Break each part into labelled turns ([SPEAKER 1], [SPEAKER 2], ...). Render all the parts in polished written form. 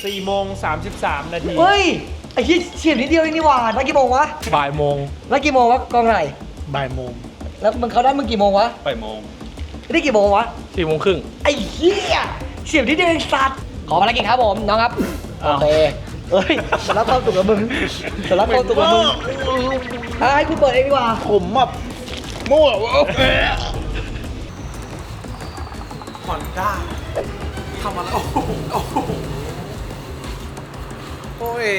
[SPEAKER 1] 4:33 นาที
[SPEAKER 2] เฮ้ยไอ้ที่เฉียดนิดเดียวเองนี่หว่านัดกี่โมงวะ
[SPEAKER 3] บ่ายโมง
[SPEAKER 2] นัดกี่โมงวะกองไหน
[SPEAKER 3] บ่ายโมง
[SPEAKER 2] แล้วมึงเขาได้มึงกี่โมงวะ
[SPEAKER 1] บ่ายโมง
[SPEAKER 2] ได้กี่โมงวะ
[SPEAKER 3] 4:30
[SPEAKER 2] ไอ้เหี้ยเฉียดนิดเดียวเองสัตว์ขอภารกิจครับผมน้องครับโอเคเฮ้ยสำรับความสุขกับมึงสำรับความสุขกับมึงให้กูเปิดเองดีกว่า
[SPEAKER 3] ผมแบบมั่วผ่อนกล้าทำอะไรโอ้ย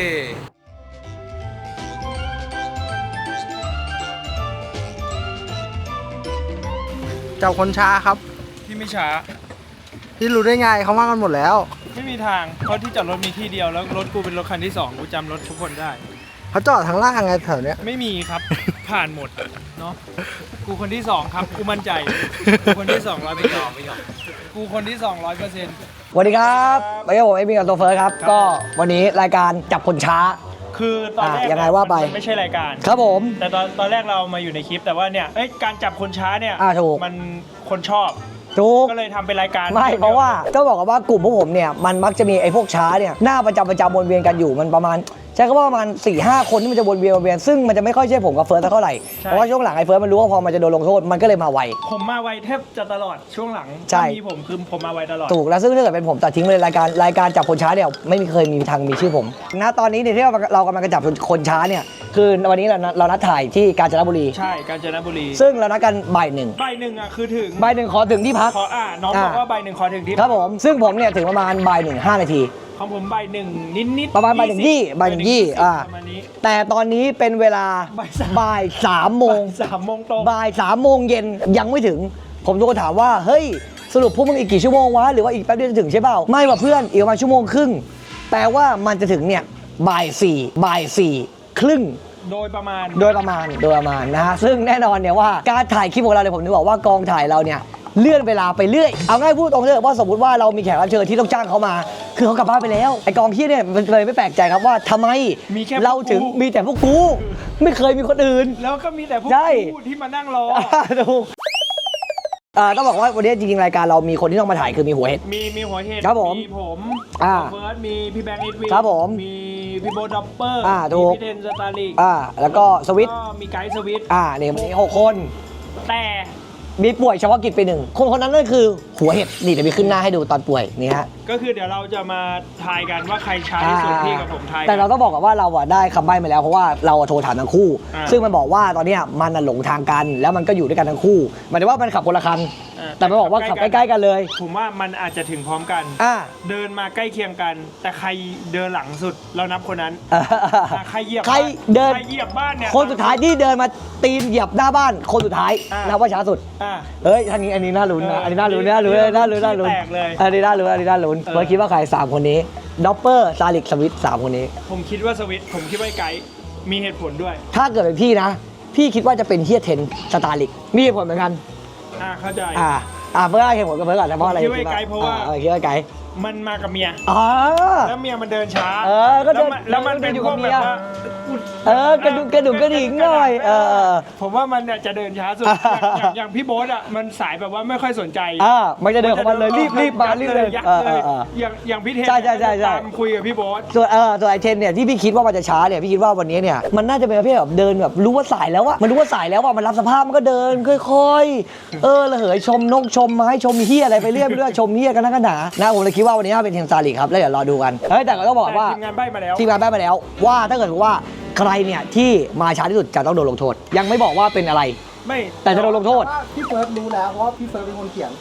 [SPEAKER 3] เจ้าคนช้าครับ
[SPEAKER 1] ที่ไม่ช้า
[SPEAKER 3] ที่รู้ได้ไงเขาว่ากันหมดแล้ว
[SPEAKER 1] ไม่มีทางเพราะที่จอดรถมีที่เดียวแล้วรถกูเป็นรถคันที่2กูจำรถทุกคนได้
[SPEAKER 3] เขาจอดทางล่างไงแถวเนี้ย
[SPEAKER 1] ไม่มีครับ ผ่านหมดเนาะกูคนที่2ครับกูมั่นใจกูคนที่200ไม่ยอมกูคนที่200%
[SPEAKER 2] สวัสดีครับไปกับผมเอมี่กับโซเฟิร์สครับก็วันนี้รายการจับคนช้า
[SPEAKER 1] คือตอนแรก
[SPEAKER 2] ยังไงว่าไป
[SPEAKER 1] มันไม่ใช่รายการ
[SPEAKER 2] ครับผม
[SPEAKER 1] แต่ตอนแรกเรามาอยู่ในคลิปแต่ว่าเนี่ยการจับคนช้าเนี่ย
[SPEAKER 2] ถูก
[SPEAKER 1] มันคนชอบ
[SPEAKER 2] ถูก
[SPEAKER 1] ก็เลยทำเป็นรายการ
[SPEAKER 2] ไม่เพราะว่าต้องบอกกันว่ากลุ่มพวกผมเนี่ยมันมักจะมีไอ้พวกช้าเนี่ยหน้าประจำวนเวียนกันอยู่มันประมาณใช้คำว่าประมาณ 4-5 คนที่มันจะวนเวียนซึ่งมันจะไม่ค่อยใช่ผมกับเฟิร์สเท่าไหร่เพราะว่าช่วงหลังไอ้เฟิร์สมันรู้ว่าพอมันจะโดนลงโทษมันก็เลยมาไว
[SPEAKER 1] ผมมาไวแทบจะตลอดช่วงหลัง
[SPEAKER 2] ใช่
[SPEAKER 1] ถ้ามีผมคือผมมาไวตลอด
[SPEAKER 2] ถูกแล้วซึ่งถ้าเกิดเป็นผมตัดทิ้งไปเลยรายการจับคนช้าเนี่ยไม่เคยมีทางมีชื่อผมณตอนนี้เนี่ยที่เรากำลังจะจับคนช้าเนี่ยคือวันนี้เรานัดถ่ายที่กาญจนบุรี
[SPEAKER 1] ใช่กาญจนบุรี
[SPEAKER 2] ซึ่งเรานัดกันบ่ายหนึ่ง
[SPEAKER 1] ใบหนึ่งคือถึง
[SPEAKER 2] บ่ายหนึ่งขอถึงที่พัก
[SPEAKER 1] ขอน้องบอกว่าใบหนึ่งขอถึงที่
[SPEAKER 2] ครับผมซึ่งผมเนี่ยถึงประมาณบ่ายหนึ่ง5 นาที
[SPEAKER 1] ของผมใบหนึ่งนิด
[SPEAKER 2] ประมาณบ่ายหนึ่งยี่บ่ายหนึ่งยี่
[SPEAKER 1] ประมาณนี้
[SPEAKER 2] แต่ตอนนี้เป็นเวลาบ่าย3 โมง
[SPEAKER 1] 3 โมงตรง
[SPEAKER 2] บ่าย3 โมงเย็นยังไม่ถึง ผมโทรถามว่าเฮ้ยสรุปพวกมึงอีกกี่ชั่วโมงวะหรือว่าอีกแป๊บเดียวจะถึงใช่เปล่าไม่ว่ะเพื่อนอีกประมาณชั่วโมงครึ่งแปลว่ามันจะถึงเนี่ยบ่าย4 ครึ่ง
[SPEAKER 1] โดยประมาณ
[SPEAKER 2] โดยประมาณนะฮะซึ่งแน่นอนเนี่ยว่าการถ่ายคลิปของเราเนี่ยผมนึกบอกว่ากองถ่ายเราเนี่ยเลื่อนเวลาไปเรื่อยเอาง่ายพูดตรงเลยว่าสมมติว่าเรามีแขกรับเชิญที่ต้องจ้างเขามา คือเขากลับบ้านไปแล้วไอกองที่เนี่ยมันเลยไม่แปลกใจครับว่าทำไม
[SPEAKER 1] มีแค่
[SPEAKER 2] เราถึงมีแต่พวกกูไม่เคยมีคนอื่น
[SPEAKER 1] แล้วก็มีแต่พวก
[SPEAKER 2] ใช่
[SPEAKER 1] ผู้ที่มานั่งรอ
[SPEAKER 2] ถูกต้องบอกว่าวันนี้จริงๆรายการเรามีคนที่ต้องมาถ่ายคือมีหัวเห็ด
[SPEAKER 1] มีหัวเห็ด
[SPEAKER 2] ครับผม
[SPEAKER 1] มีผม
[SPEAKER 2] อ่า
[SPEAKER 1] เฟิร์สมีพี่แบงค์อิทวิน
[SPEAKER 2] ครับผม
[SPEAKER 1] มีพี่โบด็อปเปอร์
[SPEAKER 2] ถูก
[SPEAKER 1] มีพี่เทนสตาร์ลิก
[SPEAKER 2] แล้วก็สวิต
[SPEAKER 1] ก็มีไกด์สวิต
[SPEAKER 2] เนี่ยวันนี้6 คน
[SPEAKER 1] แต่
[SPEAKER 2] มีป่วยเฉพาะกิจไป1 คนนั้นนั่นคือหัวเห็ดนี่เดี๋ยวมีขึ้นหน้าให้ดูตอนป่วยนี่ฮะ
[SPEAKER 1] ก็คือเดี๋ยวเราจะมาทายกันว่าใครช้าที่สุดพี่กับผมทายกัน
[SPEAKER 2] แต่เราต้องบอกก่อนว่าเราได้คำใบ้มาแล้วเพราะว่าเราโทรถามทั้งคู่ ซึ่งมันบอกว่าตอนเนี้ยมันหลงทางกันแล้วมันก็อยู่ด้วยกันทั้งคู่หมายถึงว่ามันขับคนละคันแต่มันบอกว่าขับใกล้ๆกันเลย
[SPEAKER 1] ผมว่ามันอาจจะถึงพร้อมกัน เดินมาใกล้เคียงกัน แต่ใครเดินหลังสุดเรานับคนนั้นใครเหยียบ
[SPEAKER 2] ใครเดิน
[SPEAKER 1] ใครเหยียบบ้านเนี่ย
[SPEAKER 2] คนสุดท้ายที่เดินมาตีนเหยียบหน้าบ้านคนสุดท้ายนับว่าช้าสุด
[SPEAKER 1] อ่า
[SPEAKER 2] เฮ้ยอันนี้น่าลุ้นนะอันนี้น่าลุ้น
[SPEAKER 1] แตกเลย
[SPEAKER 2] อันนี้น่าลุ้น
[SPEAKER 1] เออ
[SPEAKER 2] อันนี้น่าลุ้นเฟิร์สคิดว่าใคร3 คนนี้ด็อปเปอร์ซาลิกสวิต3 คนนี้
[SPEAKER 1] ผมคิดว่าสวิตผมคิดว่าไกด์มีเหตุผลด้วย
[SPEAKER 2] ถ้าเกิดเป็นพี่นะ พี่คิดว่าจะเป็นเฮียเทนสตาร์ลิกมีเหตุผลเหมือนกัน
[SPEAKER 1] เข้าใจ
[SPEAKER 2] เฟิร์สเหตุผลกับเฟิร์สก่อนนะเพราะอะไร
[SPEAKER 1] คิดว่าไกด์เพราะว่า
[SPEAKER 2] คิดว่าไกด์
[SPEAKER 1] มันมากับเมีย แล้วเมียมันเดินช้า
[SPEAKER 2] ก็เดิน
[SPEAKER 1] แล้วมันเป็น
[SPEAKER 2] อยู่
[SPEAKER 1] พ
[SPEAKER 2] กั
[SPEAKER 1] ว
[SPEAKER 2] บ
[SPEAKER 1] ก
[SPEAKER 2] เมี
[SPEAKER 1] แบ
[SPEAKER 2] ย
[SPEAKER 1] บว่า
[SPEAKER 2] กระดิ่งหน่อย
[SPEAKER 1] ผมว่ามันเนี่ยจะเดินช้าสุดอย่างพี่โบ๊ทอ่ะมันสายแบบว่าไม่ค่อยสนใจ
[SPEAKER 2] มันจะเดินของมันเลยรีบมารีบเลย
[SPEAKER 1] ยัดเลยอย่างพี่เทน
[SPEAKER 2] ใช่
[SPEAKER 1] ตามคุยกับพี่โบ๊ท
[SPEAKER 2] ส่วนไอเทนเนี่ยที่พี่คิดว่ามันจะช้าเนี่ยพี่คิดว่าวันนี้เนี่ยมันน่าจะเป็นประเภทแบบเดินแบบรู้ว่าสายแล้วอะมันรู้ว่าสายแล้วอะมันรับสภาพมันก็เดินค่อยๆระเหยชมนกชมไม้ชมเฮียอะไรไปเรื่อยชมเฮียกันทั้งกันหนานะผมเลยคิดว่าวันนี้น่าเป็นเทนซาลิกครับแล้วเดี๋ยวรอดูกันแต่ก็ต้องบอกว่า
[SPEAKER 1] ทีมงานใบ้มาแล้ว
[SPEAKER 2] ทีมงานได้มาแล้วว่าถ้าเกิดว่าใครเนี่ยที่มาช้าที่สุดจะต้องโดนลงโทษยังไม่บอกว่าเป็นอะไร
[SPEAKER 1] ไม่
[SPEAKER 2] แต่จะโดนลงโทษ
[SPEAKER 3] พี่เฟิร์สรู้แล้วเพราะว่าพี่เฟิร์สเป็นคนเขียน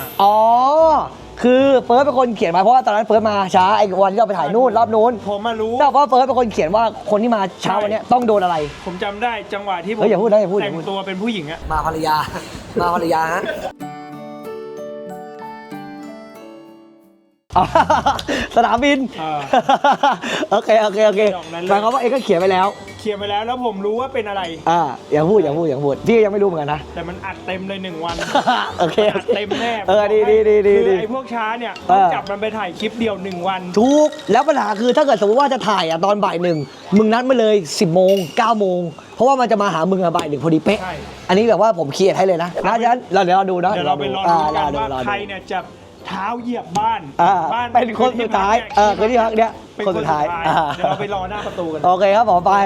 [SPEAKER 2] คือเฟิร์สเป็นคนเขียนมาเพราะว่าตอนนั้นเฟิร์สมาช้าไอ้วันที่เราไปถ่ายนู่นรอบนู้น
[SPEAKER 1] ผมมารู้
[SPEAKER 2] แต่ว่าเฟิร์สเป็นคนเขียนว่าคนที่มาเช้าวันนี้ต้องโดนอะไร
[SPEAKER 1] ผมจำได้จังหวะที่ผม
[SPEAKER 2] อย่าพูดนะอย่าพูด
[SPEAKER 1] แต่งตัวเป็นผู้หญิงอะ
[SPEAKER 2] มาภรรยาฮะ สนามบินโอเคหมายความว่าเอ็กก็เขียนไปแล้ว
[SPEAKER 1] เขียนไปแล้วแล้วผมรู้ว่าเป็นอะไร
[SPEAKER 2] อย่าพูดพี่ยังไม่รู้เหมือนกันนะ
[SPEAKER 1] แต่มันอัดเต็มเลย1 วัน
[SPEAKER 2] โอเค
[SPEAKER 1] อัดเต็มแน่
[SPEAKER 2] ดี
[SPEAKER 1] คือไอ้พวกช้าเนี่ยต้องจับมันไปถ่ายคลิปเดียว1 วัน
[SPEAKER 2] ทุกแล้วปัญหาคือถ้าเกิดสมมติว่าจะถ่ายตอนบ่าย1มึงนัดมาเลย10 โมง9 โมงเพราะว่ามันจะมาหามึงบ่าย1พอดีเป๊ะ
[SPEAKER 1] ใช่
[SPEAKER 2] อันนี้แบบว่าผมเครียดให้เลยนะฉะนั้นเดี๋ยวเราดูนะ
[SPEAKER 1] เดี๋ยวเราไปรอดูกันว่าใครเนี่ยจะเท้าเหยียบบ้าน บ้าน
[SPEAKER 2] เป็นคนสุดท้ายคนที่พักเนี่ย
[SPEAKER 1] เป็น
[SPEAKER 2] คนสุดท้าย
[SPEAKER 1] เดี๋ยวเราไปรอหน้าประตูกัน
[SPEAKER 2] โอเคครับผมไป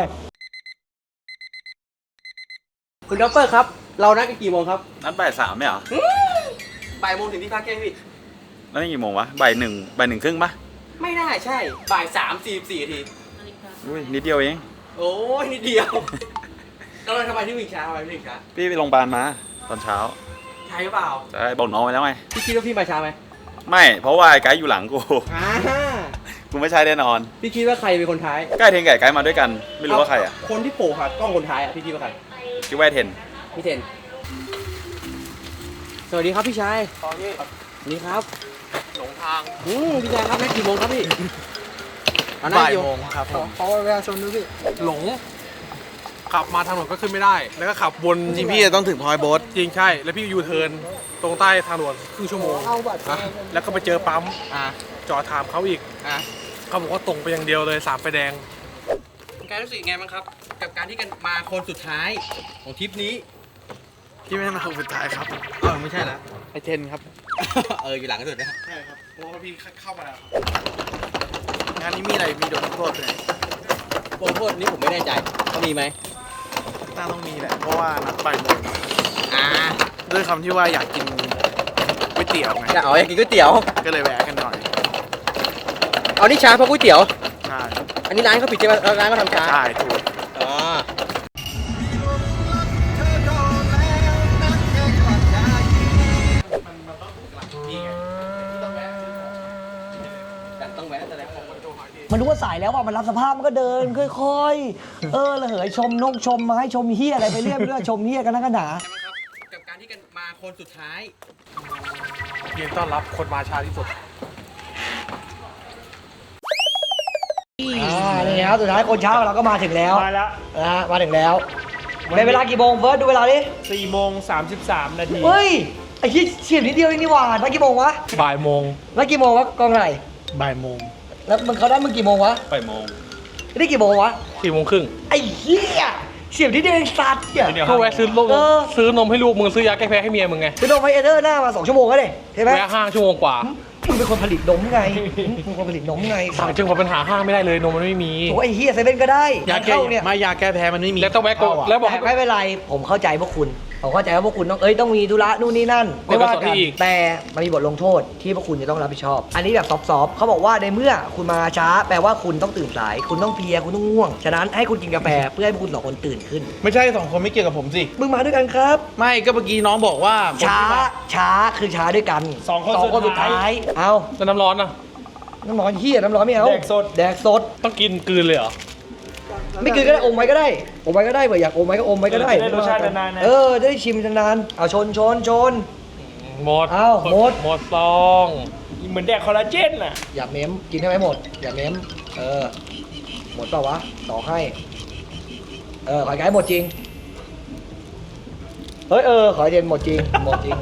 [SPEAKER 3] คุณด็อปเปอร์ครับ เรานัดกันกี่โมงครับ
[SPEAKER 4] นัดบ่ายสามไหมเหรอ
[SPEAKER 3] บ่ายโมงถึงที่พักแกพี่
[SPEAKER 4] แล้วนี่กี่โมงวะบ่ายหนึ่งครึ่งปะ
[SPEAKER 3] ไม่น่าใช่ บ่าย3:44 นาที
[SPEAKER 4] อุ้ยนิดเดียวเอง
[SPEAKER 3] โอ้ยนิดเดียวแล้วเราทำไมที่วิ่งช้าทำไมวิ่งช้า
[SPEAKER 4] พี่ไปโรงพยาบาลมาตอนเช้า
[SPEAKER 3] ใช่หรือเปล่า
[SPEAKER 4] ใช่บอกน้องไปแล้วไง
[SPEAKER 3] พี่คิดว่าพี่มาช้าไหม
[SPEAKER 4] ไม่เพราะว่าไอ้ไกด์อยู่หลังกู
[SPEAKER 3] อ่า
[SPEAKER 4] กูไม่ใช่แน่นอน
[SPEAKER 3] พี่คิดว่าใครเป็นคนท้าย
[SPEAKER 4] ใกล้เทนกับไอ้ไกด์มาด้วยกัน ไม่รู้ว่าใครอ่ะ
[SPEAKER 3] คนที่โผล่ค่ะกล้องคนท้ายอ่ะพี่คิดว่าใคร
[SPEAKER 4] คิดว่าไอ้เทน
[SPEAKER 3] พี่เทน สวัสดีครับพี่ชายนี่ครับ
[SPEAKER 5] หลงทาง
[SPEAKER 3] พี่ชายครับนัดกี่โมงครับพี่
[SPEAKER 5] บ่ายโมงครับผมเพราะว่าเวลาชนดูพี่หลง ขับมาทางถนนก็ขึ้นไม่ได้ แล้วก็ขับวน
[SPEAKER 6] จริงพี่จะต้องถึงพอยโบ๊ท
[SPEAKER 5] จริงใช่ แล้วพี่ยูเทิร์นตรงใต้ทางด่วนครึ่งชั่วโมงแล้วก็ไปเจอปั๊ม
[SPEAKER 3] อ่ะ
[SPEAKER 5] จอดถามเขาอีก
[SPEAKER 3] อ่ะ
[SPEAKER 5] เขาบอกว่าตรงไปอย่างเดียวเลย3 ไฟแดง
[SPEAKER 3] คุณกายรู้สึกยังไงบ้างครับ กับการที่กันมาคนสุดท้ายของทริปนี้
[SPEAKER 6] พี่ไม่ใช่มาคนสุดท้ายครับ
[SPEAKER 3] ไม่ใช่แล้ว
[SPEAKER 6] ไอเทนครับ
[SPEAKER 3] อยู่หลังสุดนะ
[SPEAKER 5] ใช่ครับเพราะว่าพี่เข้ามาแล้ว
[SPEAKER 6] งานนี้มีอะไร มีโดนลงโทษเลย
[SPEAKER 3] โปรโทษนี้ผมไม่แน่ใจเขามีไหม
[SPEAKER 6] น่าต้องมีแหละ เพราะว่านัดบ่ายโมง
[SPEAKER 3] อ่า
[SPEAKER 6] ด้วยคำที่ว่าอยากกินก๋วยเตี๋ยวไง
[SPEAKER 3] อยากกินก๋วยเตี๋ยว
[SPEAKER 6] ก็เลยแวะกันหน่อย
[SPEAKER 3] เอานี่ช้าเพราะก๋วยเตี๋ยว
[SPEAKER 6] ใช่
[SPEAKER 3] อันนี้ร้านเขาปิดใช่ไหมร้านเขาทำช้า
[SPEAKER 6] ใช่ถูก
[SPEAKER 3] อ๋อต้องแวะแต่แล้ว
[SPEAKER 2] มันรู้ว่าสายแล้วว่ามันรับสภาพมันก็เดินค่อยๆระเหยชมนกชมไม้ชมเฮียอะไรไปเรื่อยชมเฮียกันนักกันหนา
[SPEAKER 3] กับการที่กันมาคนสุดท้าย
[SPEAKER 5] ยืนต้อนรับคนมาช้าที่สุด
[SPEAKER 2] นี่ครับสุดท้ายคนเช้าเราก็มาถึงแล้ว
[SPEAKER 1] มาแล้ว
[SPEAKER 2] นะฮะมาถึงแล้วเป็นเวลากี่โมงเฟิร์สดูเวลาดิ
[SPEAKER 1] 4 โมง 33 นาที
[SPEAKER 2] เฮ้ยไอ้ที่เฉียบนิดเดียวเองนี่หว่าแล้วกี่โมงวะ
[SPEAKER 5] บ่ายโมง
[SPEAKER 2] แล้วกี่โมงวะกองไหน
[SPEAKER 5] บ่ายโมง
[SPEAKER 2] แล้วมึงเขาได้มึงกี่โมงวะ
[SPEAKER 4] บ่ายโมง
[SPEAKER 2] ได้กี่โมงวะ
[SPEAKER 5] 4 โมงครึ่ง
[SPEAKER 2] ไอ้เหี้ยเฉียบนิดเดียวเองสัตว์เนี่ย
[SPEAKER 5] ก็แวะซื้อลูก
[SPEAKER 2] เออ
[SPEAKER 5] ซื้อนมให้ลูกมึงซื้อยาแก้แพ้ให้เมียมึงไง
[SPEAKER 2] ไปโดนไฟเอเดอร์หน้ามา2 ชั่วโมงแล้วดิใช่ไหม
[SPEAKER 5] แวะห้างชั่วโมงกว่า
[SPEAKER 2] มึงเป็นคนผลิตนมไงมึงเป็นคนผลิตนมไง
[SPEAKER 5] สั่งจึงพอปัญหาห้างไม่ได้เลยนมมันไม่มี
[SPEAKER 2] โอ้ไอ้เหี้ยเซเว่นก็ได้
[SPEAKER 6] ยาแก้
[SPEAKER 2] เข้าเนี่ย
[SPEAKER 6] ไม่ยาแก้แพ้มันไม่มี
[SPEAKER 5] แล้วต้องแวะโกแล้วบอกให้
[SPEAKER 2] แต่ไม่เป็นไรผมเข้าใจพวกคุณผมเข้าใจว่าพวกคุณต้องมีธุระนู่นนี่นั่นไม่ว่า
[SPEAKER 5] กดกระทรว
[SPEAKER 2] กั
[SPEAKER 5] ง
[SPEAKER 2] น
[SPEAKER 5] อีก
[SPEAKER 2] แต่มันมีบทลงโทษที่พวกคุณจะต้องรับผิดชอบ อันนี้แบบซอฟๆเขาบอกว่าในเมื่อคุณมาช้าแปลว่าคุณต้องตื่นสาย คุณต้องเพลียคุณต้องง่วงฉะนั้นให้คุณกินกาแฟเพื่อให้พวกคุณสองคนตื่นขึ้น
[SPEAKER 6] ไม่ใช่2 คนไม่เกี่ยวกับผมสิ
[SPEAKER 2] มึงมาด้วยกันครับ
[SPEAKER 6] ไม่ก็เมื่อกี้น้องบอกว่าผม
[SPEAKER 2] ช้า
[SPEAKER 6] ที่มา
[SPEAKER 2] ช้าคือช้าด้วยกัน
[SPEAKER 1] สองคน
[SPEAKER 2] สุดท้ายเอา
[SPEAKER 5] แล้วน้ำร้อนอ่ะ
[SPEAKER 2] น้ำร้อนเฮียน้ำร้อนไม่เอา
[SPEAKER 1] แดกสด
[SPEAKER 2] แดกสด
[SPEAKER 5] ต้องกินกลืนเลยเหรอ
[SPEAKER 2] ไม่กินก็ได้อมไว้ก็ได้อมไว้ก็ได้เผื่ออยากอมไว้ก็อมไว้ก็ได้
[SPEAKER 1] จะได้รสชาตินานๆนะ
[SPEAKER 2] จะได้ชิมนานๆเอาชน
[SPEAKER 5] หมด
[SPEAKER 2] อ้าวหมด
[SPEAKER 5] หมดซอง
[SPEAKER 1] เหมือนแดกคอลลาเจนน่ะ
[SPEAKER 2] อย่าเม้มกินให้ไหมหมด อย่าเม้มหมดเปล่าวะต่อให้ขอไก่หมดจริงเฮ้ยขอเย็นหมดจริงหมดจริง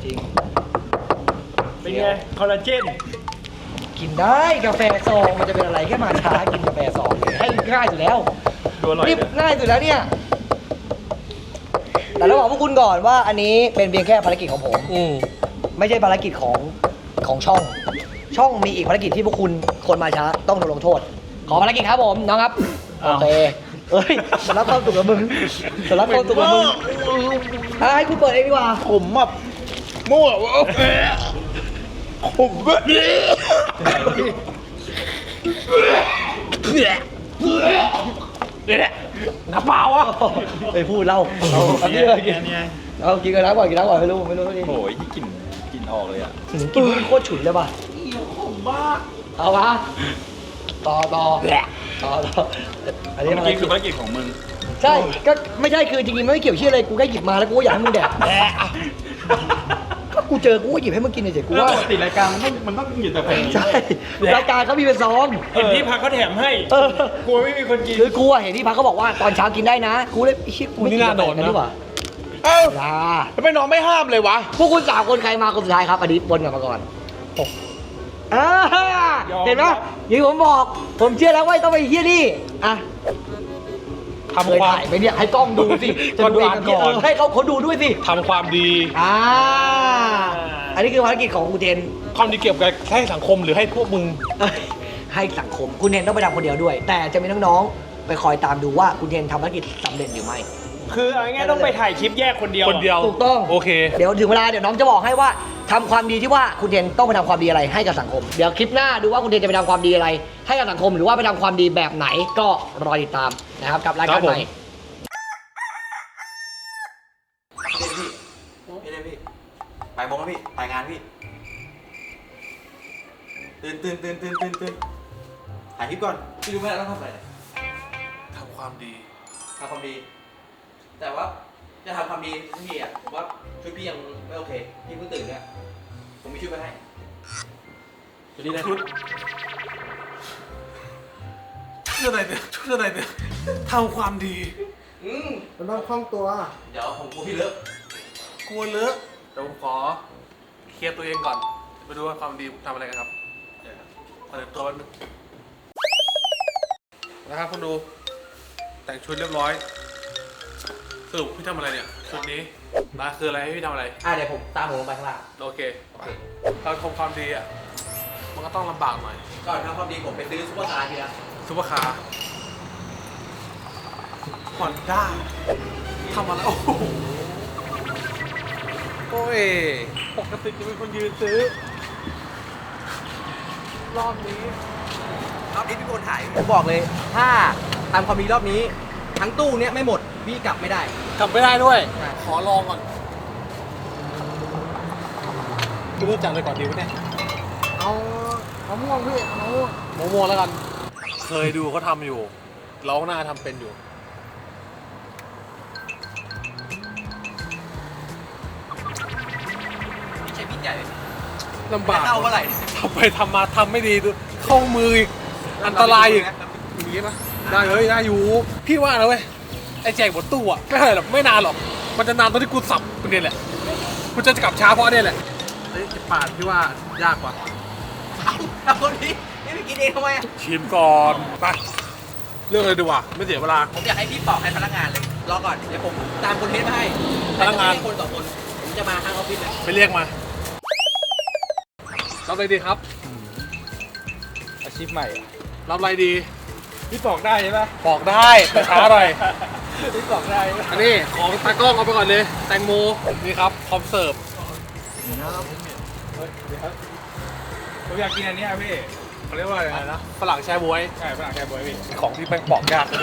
[SPEAKER 1] เป็นไง คอลลาเจน
[SPEAKER 2] กินได้กาแฟซองมันจะเป็นอะไรแค่มาช้ากินกาแฟซองให้ง่ายสุดแล้ว
[SPEAKER 1] ดูอร่อย
[SPEAKER 2] นี่
[SPEAKER 1] เลย
[SPEAKER 2] ง่ายสุดแล้วเนี่ยแต่เราบอกพวกคุณก่อนว่าอันนี้เป็นเพียงแค่ภารกิจของผม ไม่ใช่ภารกิจของช่อง ช่องมีอีกภารกิจที่พวกคุณคนมาช้าต้องโดนลงโทษ ขอภารกิจครับผมน้องครับโอเคจะรับความสุขกับมึงจะรับความสุขกับมึงให้คุณเปิดเองดีกว่า
[SPEAKER 6] ผมแบบมั่วผมแบบ
[SPEAKER 5] น้ำเปล่าอ่ะ
[SPEAKER 2] ไปพูดเล่าเอากินเลยกินเอากินกันน้ำก่อนไม่รู้ดิ
[SPEAKER 4] โอ้ยกลิ่นออกเลยอ่ะ
[SPEAKER 2] กินโคตรฉุนเลยป่ะเอาวะต่ออันนี้
[SPEAKER 4] เมื่อกี้คือภารกิจของมึง
[SPEAKER 2] ใช่ก็ไม่ใช่คือจริงๆไม่เกี่ยวเชื่ออะไรกูแค่หยิบมาแล้วกูก็อยากให้มึงแดกก็กูเจอกูก็หยิบให้มึงกินเฉยๆกูว่า
[SPEAKER 4] ปกติรายการมันต้องหยุดแต่เพลง
[SPEAKER 2] ใช่รายการเขามีเป็นซอง
[SPEAKER 1] เห็นที่พักเขาแถมให้ กลัวไม่มีคนกิน
[SPEAKER 2] คือกูอะเห็นที่พักเขาบอกว่าตอนเช้ากินได้นะกูเลยชิกูไม่กินกาแฟกันดีกว่า
[SPEAKER 6] เอ้า
[SPEAKER 2] ลา
[SPEAKER 6] ทำไมน้องไม่ห้ามเลยวะ
[SPEAKER 2] พวกคุณ3 คนใครมาคนสุดท้ายครับอันนี้บนกลับมาก่อนเห็นไหมอย่างที่ผมบอกผมเชื่อแล้วว่าต้องไปเฮียนี่อ่ะ
[SPEAKER 5] ทำความ
[SPEAKER 2] เคยถ่ายไหมเนี่ยให้กล้องดูสิจะดูเองกับพี่
[SPEAKER 5] ก่อน
[SPEAKER 2] ให้เขาดูด้วยสิ
[SPEAKER 5] ทำความดี
[SPEAKER 2] อันนี้คือภารกิจของคุณเทน
[SPEAKER 5] ความดีเกี่ยวกับให้สังคมหรือให้พวกมึง
[SPEAKER 2] ให้สังคมคุณเทนต้องไปทำคนเดียวด้วย แต่จะมีน้องๆไปคอยตามดูว่าคุณเทนทำภารกิจสำเร็จหรือไม่
[SPEAKER 1] คือเอาง่ายๆต้องไปถ่ายคลิปแยกคนเดียว
[SPEAKER 5] คนเดียว
[SPEAKER 2] ถูกต้อง
[SPEAKER 5] โอเค
[SPEAKER 2] เดี๋ยวถึงเวลาเดี๋ยวน้องจะบอกให้ว่าทำความดีที่ว่าคุณเทนต้องไปทำความดีอะไรให้กับสังคม เดี๋ยวคลิปหน้าดูว่าคุณเทนจะไปทำความดีอะไร ให้กับสังคมหรือว่าไปทำความดีแบบไหนก็รอติดตามนะครับกับรายการใหม่
[SPEAKER 3] พี่เลยพี่ไปโมงแล้วพี่ไปงานพี่ตื่นถ่ายคลิปก่อนพี่รู้ไหมเราต้องทำอะไร
[SPEAKER 5] ทำความดี
[SPEAKER 3] ทำความดี แต่ว่าจะทำความดีทันทีอ่ะผมว่าชุดพี่ยังไม่โอเคพี่เพิ่งตื่นเนี่ยผมมีชุดไปให้ชุดนี้นะ
[SPEAKER 5] ชุดอะไรเนี่ยทำความดี
[SPEAKER 6] มันต้องคล่องตัว
[SPEAKER 3] เดี๋ยวผมกลัวพี่เลอะ
[SPEAKER 5] กลัวเลอะเดี๋ยวผมขอเคลียร์ตัวเองก่อนไปดูว่าความดีทำอะไรกันครับเปิดตัวแป๊บนึงนะครับคุณดูแต่งชุดเรียบร้อยสรุปพี่ทำอะไรเนี่ยชุดนี้มาคืออะไรให้พี่ทำอะไร
[SPEAKER 3] เดี๋ยวผมตามผมลงไปข้างล่าง
[SPEAKER 5] โอเคเราทำความดีอ่ะมันก็ต้องลำบากหน่อย
[SPEAKER 3] ก่อนทำความดีผมไปซื้อซุปเปอร์คาร์ทีละ
[SPEAKER 5] ซุปเปอร์คาร์ฮอนด้าทำอะไรโอ้โหโอ้ยปกติจะเป็นคนยืนซื้อรอบนี้
[SPEAKER 3] รอบนี้พี่โคนถ่ายผมบอกเลย ถ้าทำความดีรอบนี้ทั้งตู้เนี้ยไม่หมดพี่กลับไม่ได้
[SPEAKER 5] กลับไม่ได้ด้วย
[SPEAKER 3] ใช่
[SPEAKER 5] ขอลองก่อนไม่รู้จักเลยก่อนดีวะเนี่ย
[SPEAKER 6] เอาม่วงพี่เอาม่วง
[SPEAKER 5] โมโมแล้วกัน เคยดูเขาทำอยู่เราก็น่าทำเป็นอยู่
[SPEAKER 3] พี่ใช้มีดใหญ่
[SPEAKER 5] ลำบาก
[SPEAKER 3] เข้าเมื่อไหร่
[SPEAKER 5] ทำไปทำมาทำไม่ดีดูเข้ามืออีกอันตรายอีกอย่างนี้ปะได้เลยได้อยู่ พี่ว่านะเว้ยไอ้แจกบนตู้อะไม่เท่าไหร่หรอกไม่นานหรอก มันจะนานตอนที่กูสับคนเดียวแหละกูจะกลับช้าเพราะเนี่ยแหละเฮ้ยปาดพี่ว่ายากกว่า
[SPEAKER 3] เอาคนนี้นี่ไปกินเองทำไมอ่ะ
[SPEAKER 5] ชิมก่อนไปเรื่องเลยดีกว่าไม่เสียเวลา
[SPEAKER 3] ผมอยากให้พี่ปอกให้พนักงานเลยรอก่อนเดี๋ยวผมตามคนเทสมาให้
[SPEAKER 5] พนักงาน
[SPEAKER 3] แต่ผมไม่ให้คนสองคนผมจะมาทางออฟฟิศเลย
[SPEAKER 5] ไปเรียกมารับอะไรดีครับ
[SPEAKER 1] อาชีพใหม่
[SPEAKER 5] รับอะไรดี
[SPEAKER 1] พี่บอกได้ใช่ปะ
[SPEAKER 5] บอกได้แต่ช้าหน่อย
[SPEAKER 1] พี่บอกได้
[SPEAKER 5] อันนี้ของตากล้องเอาไปก่อนเลย แตงโมนี่ครับพร้อมเสิร์ฟ
[SPEAKER 1] ผมอยากกินอันเนี้ยพี่
[SPEAKER 5] เขาเรียกว่าอะไรนะฝรั่งแช่บ๊วย
[SPEAKER 1] ใช่ฝรั่งแค่บวยพี่
[SPEAKER 5] ของที่แป้งปอกยาก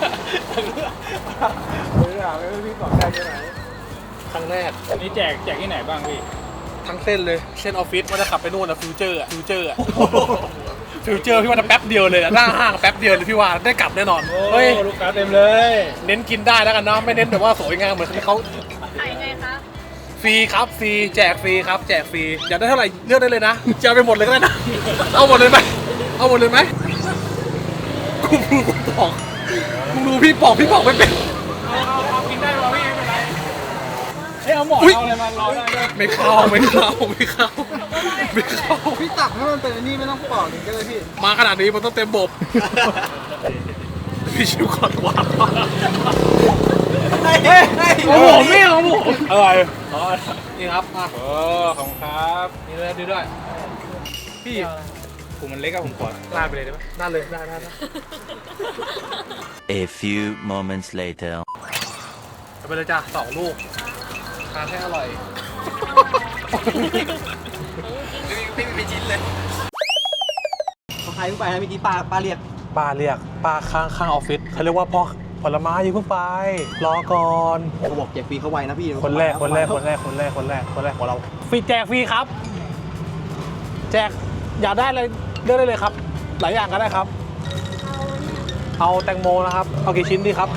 [SPEAKER 1] ไม่ถามเลยว่าพี่บอกได้ใช่ไหม
[SPEAKER 5] ครั้งแรก
[SPEAKER 1] นี่แจกที่ไหนบ้างพี่
[SPEAKER 5] ทั้งเส้นเลยเส้นออฟฟิศว่าจะขับไปนู่นนะฟิวเจอร์ฟิวเจอร์พี่ว่าจะแป๊บเดียวเลยอะหน้าห้างแป๊บเดียวเลยพี่ว่าได้กลับแน่นอน
[SPEAKER 1] เฮ้ยลูกค้าเต็มเลย
[SPEAKER 5] เน้นกินได้แล้วกันเนาะไม่เน้นแบบว่าสวยงามเหมือนที่เขา
[SPEAKER 7] ขายไงคะ
[SPEAKER 5] ฟรีครับฟรีแจกฟรีครับแจกฟรีอยากได้เท่าไหร่เลือกได้เลยนะจะเอาไปหมดเลยก็ได้นะเอาหมดเลยไหมเอาหมดเลยไหมกูบอกมึงดูพี่บอกไม่เป็น
[SPEAKER 1] เอากินได้ป่ะพี่ไม่เป็นไรเฮ้ยเอาหมอน
[SPEAKER 5] อุ๊ย
[SPEAKER 1] เอาอะไรมาเราได้ด้วย
[SPEAKER 5] ไม่เข้า
[SPEAKER 6] พี่ตักให้มันเป็นอันนี้ไม่ต้องปอกถึงก็เลยพี่
[SPEAKER 5] มาขนาดนี้มันต้องเต็มบบพี่ชิวก่อนว่า
[SPEAKER 1] ของผมนี่ของผม
[SPEAKER 5] อะไรนี่ครับมา
[SPEAKER 1] โอ้ขอบคุณครับ
[SPEAKER 5] นี่เลยดูด้วยพี่
[SPEAKER 1] ผมมันเล็กอะผมขอลาดไปเลยได้ปะ
[SPEAKER 5] น่าเลยได้
[SPEAKER 8] A few moments later.
[SPEAKER 5] เอาไปเลยจ้ะ2 ลูกทานให้อร่อย
[SPEAKER 3] ไม่มีชิ้นเลยเขาใครเพิ่งไปนะเมื่อกี้ป้าเรียก
[SPEAKER 5] ป้าเรียกป้าข้างออฟฟิศเขาเรียกว่าพ่อผลไม้อย่าเพิ่งไปรอก่อน
[SPEAKER 3] เขาบอกแจกฟรีเขาไวนะพี่
[SPEAKER 5] คนแรกของเราฟรีแจกฟรีครับ แจกอยากได้อะไรเลือกได้เลยครับ หลายอย่างก็ได้ครับ เอาแตงโมนะครับเอากี่ชิ้นดีครับ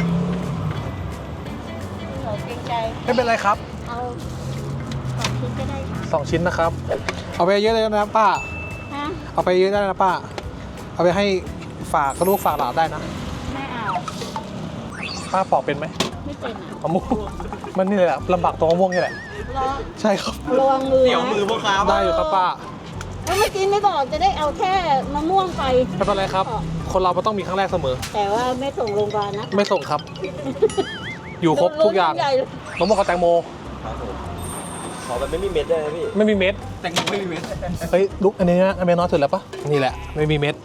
[SPEAKER 7] หนูเกรงใจ
[SPEAKER 5] ไม่เป็นไรครับ
[SPEAKER 7] เอา2 ชิ้นก็ได้ค่ะ
[SPEAKER 5] 2 ชิ้นนะครับ เอาไปเยอะเลยนะป้า
[SPEAKER 7] ฮะ
[SPEAKER 5] เอาไปเยอะได้นะป้า เอาไปให้ฝากลูกฝากหลานได้นะ
[SPEAKER 7] ไม่เอา
[SPEAKER 5] ป้าปอกเป็นไหม
[SPEAKER 7] ไม่เป็นอ่ะ
[SPEAKER 5] มะม่วงมันนี่แหละลำบากตรงมะม่วงนี่แหละ
[SPEAKER 7] รอ
[SPEAKER 5] ใช่ครับ
[SPEAKER 7] ระวังมือ
[SPEAKER 3] เดี๋ยวมือพวกค้า
[SPEAKER 5] ได้อยู่ครับป้า
[SPEAKER 7] แล้วเมื่อกี้ไม่บอกจะได้เอาแค่มะม่วงไป
[SPEAKER 5] ไม่เป็นไรครับ คนเรามันต้องมีครั้งแรกเสมอ
[SPEAKER 7] แต่ว่าไม่ส่งโรงพยาบาลนะ
[SPEAKER 5] ไม่ส่งครับ อยู่ครบทุกอย่าง
[SPEAKER 7] ใหญ่เลย
[SPEAKER 5] มะม่วงกับแตงโม
[SPEAKER 3] ขอแบบไม่มีเม็ดได้ไหมพี่
[SPEAKER 5] ไม่มีเม็ด
[SPEAKER 3] แตงโมไม่มีเม็ด
[SPEAKER 5] เฮ้ยลุกอันนี้นะอันนี้น้อยสุดแล้วปะนี่แหละไม่มีเม็ด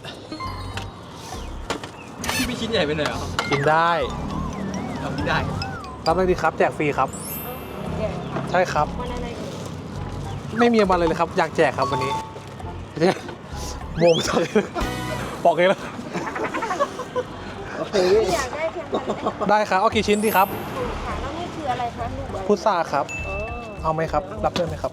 [SPEAKER 3] พี่ไม่ชิ้นใหญ่ไปหน่อยเหรอ
[SPEAKER 5] กินได้
[SPEAKER 3] ทำไม่ได้
[SPEAKER 5] รับได้ดีครับแจกฟรีครับ ใช่ครับ ไม่มีวันเลยครับ อยากแจกครับวันนี้เนี่ยโมงจังเลยบอกเองแล้ว
[SPEAKER 7] อยากได้แค่นั้น
[SPEAKER 5] ได้ครับเอากี่ชิ้นดีครับ
[SPEAKER 7] ค่ะแล้วนี่คืออะไรคะลูกบอล
[SPEAKER 5] พุทราครับ
[SPEAKER 7] อ๋อ
[SPEAKER 5] เอาไหมครับ รับด้วยไหมครับ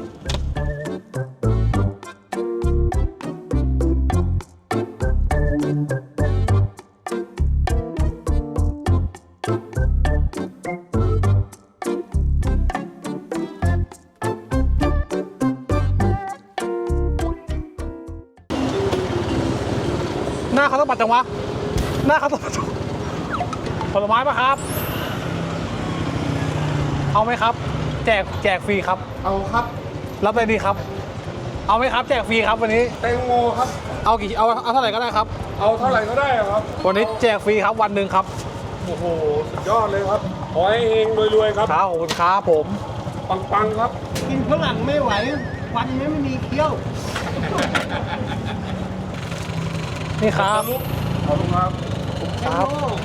[SPEAKER 5] หน้าเขาต้องปัดจังวะ หน้าเขาต้องปัดจังผลไม้ปะครับ เอาไหมครับ แจกฟรีครับ
[SPEAKER 6] เอาครับ
[SPEAKER 5] รับเลยดีครับ เอาไหมครับ แจกฟรีครับวันนี้
[SPEAKER 6] แตงโมครับ
[SPEAKER 5] เอาเท่าไหร่ก็ได้ครับ
[SPEAKER 6] เอาเท่าไหร่ก็ได้ครับ
[SPEAKER 5] วันนี้แจกฟรีครับวันหนึ่งครับ
[SPEAKER 6] โอ้โห สุดยอดเลยครับ ขอให้เฮงรวยๆครับ
[SPEAKER 5] ครับขอบคุณครับผม
[SPEAKER 6] ปังๆครับ
[SPEAKER 1] กินฝรั่งไม่ไหวฟันไม่มีเคี้ยว
[SPEAKER 5] นี่ครับ
[SPEAKER 6] ขอบคุณครับ
[SPEAKER 5] ครับ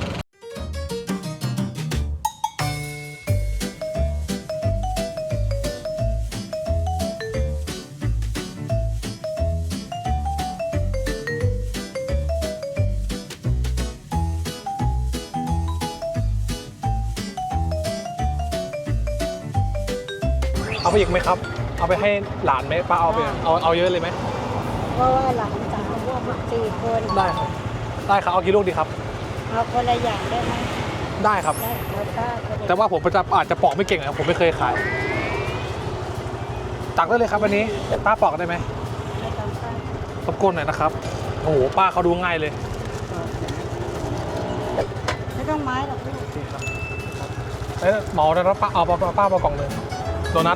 [SPEAKER 5] เอาไปอีกไหมครับ เอาไปให้หลานไหมป้าเอาไปเอาเยอะเลยไหม
[SPEAKER 7] เพราะว่าหลานสาวพวก4 คน
[SPEAKER 5] ได้ครับ ได้ครับ เอากี่ลูกดีครับ
[SPEAKER 7] เอาคนละอย่างได้ไหม
[SPEAKER 5] ได้ครับ
[SPEAKER 7] ได้แล้วก็คนละ
[SPEAKER 5] แต่ว่าผมอาจจะปอกไม่เก่งนะผมไม่เคยขาย ตักได้เลยครับวันนี้ ป้าปอกได้ไหม
[SPEAKER 7] ไม่ต้องป้าร
[SPEAKER 5] บกวนหน่อยนะครับ โอ้โห ป้าเขาดูง่ายเลย
[SPEAKER 7] ไม่ต้องไม้หรอกลูก
[SPEAKER 5] นี่ครับเอ้ยเหมาแล้วป้าเอาป้ามากล่องหนึ่งโดนัท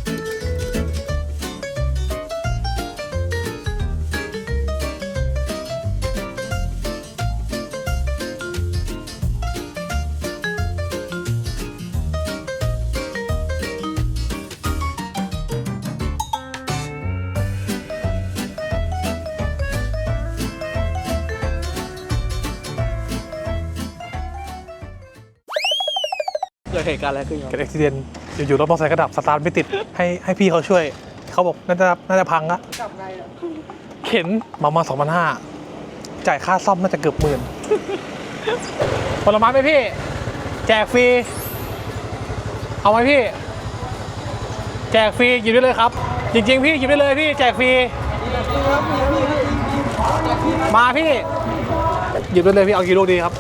[SPEAKER 3] เกิดเหตุการณ์อะไรขึ้นครับ
[SPEAKER 5] เกิดอุบิเหตุอยู่ๆรถมอเตอร์ไซค์ก็ดับสตาร์ทไม่ติดให้พี่เขาช่วย เขาบอกน่าจะพังละเข็นมา2,500จ่ายค่าซ่อมน่าจะเกือบ10,000ผลไม้ไหมพี่ แจกฟรี เอาไหมพี่ แจกฟรีหยิบได้เลยครับ จริงๆพี่หยิบได้เลยพี่แจกฟรีมาพี่หยิบได้เลยพี่เอากี่ลูกดีครับ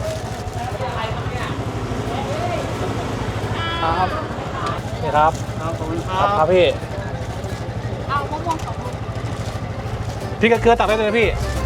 [SPEAKER 5] ครับนี่ครับครับขอบคุณครับพี่
[SPEAKER 7] เอามะม่วง2 ลูก
[SPEAKER 5] พี่กระเกลือตักได้เลยนะพี่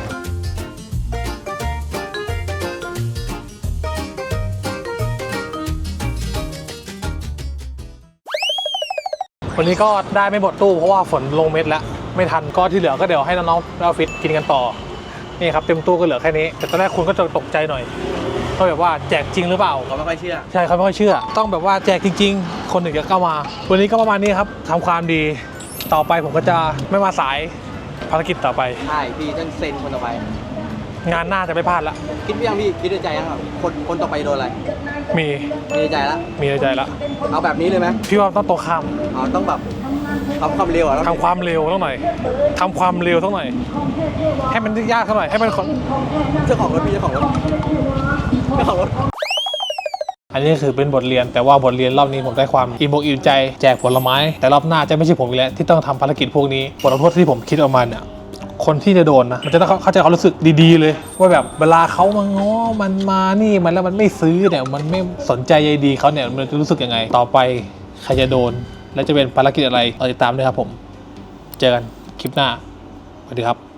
[SPEAKER 5] วันนี้ก็ได้ไม่หมดตู้เพราะว่าฝนลงเม็ดแล้วไม่ทันก็ที่เหลือก็เดี๋ยวให้น้องๆแล้วฟิตกินกันต่อนี่ครับเต็มตู้ก็เหลือแค่นี้แต่ตอนแรกคุณก็จะตกใจหน่อยก็แบบว่าแจกจริงหรือเปล่า
[SPEAKER 3] เขาไม่ค่อยเชื่อ
[SPEAKER 5] ใช่เขาไม่ค่อยเชื่อ ต้องแบบว่าแจกจริงๆ คนหนึ่งจะเข้ามา วันนี้ก็ประมาณนี้ครับทำความดีต่อไปผมก็จะไม่มาสายภารกิจต่อไป
[SPEAKER 3] ใช่พี่ต้องเซ็นคนต่อไป
[SPEAKER 5] งานหน้าจะไม่พลาดละ
[SPEAKER 3] คิดยังพี่คิดในใจยังครับคนต่อไปโดนอะไร
[SPEAKER 5] มี
[SPEAKER 3] มีในใจแล้ว
[SPEAKER 5] มีในใจละ
[SPEAKER 3] เอาแบบนี้เลยไหม
[SPEAKER 5] พี่ว่าต้องตรงข้าม
[SPEAKER 3] เอาต้องแบบทำความเร็วอ่ะ
[SPEAKER 5] ทำความเร็วต้องหน่อยทำความเร็วต้องหน่อย ให้มันยากเท่าหน่อยให้มันคน
[SPEAKER 3] เจ้าของรถพี่เจ้าของรถเจ้าของรถ
[SPEAKER 5] อันนี้คือเป็นบทเรียนแต่ว่าบทเรียนรอบนี้ผมได้ความอิ่มอกอิ่มใจแจกผลไม้ แต่รอบหน้าจะไม่ใช่ผมอีกแล้วที่ต้องทำภารกิจพวกนี้บทลงโทษที่ผมคิดออกมาเนี่ยคนที่จะโดนนะมันจะต้องเข้าใจความรู้สึกดีๆเลยว่าแบบเวลาเขามาง้อมันมานี่มันแล้วมันไม่ซื้อเนี่ยมันไม่สนใจใยดีเขาเนี่ยมันจะรู้สึกยังไง ต่อไปใครจะโดนและจะเป็นภารกิจอะไรติดตามด้วยครับผมเจอกันคลิปหน้าสวัสดีครับ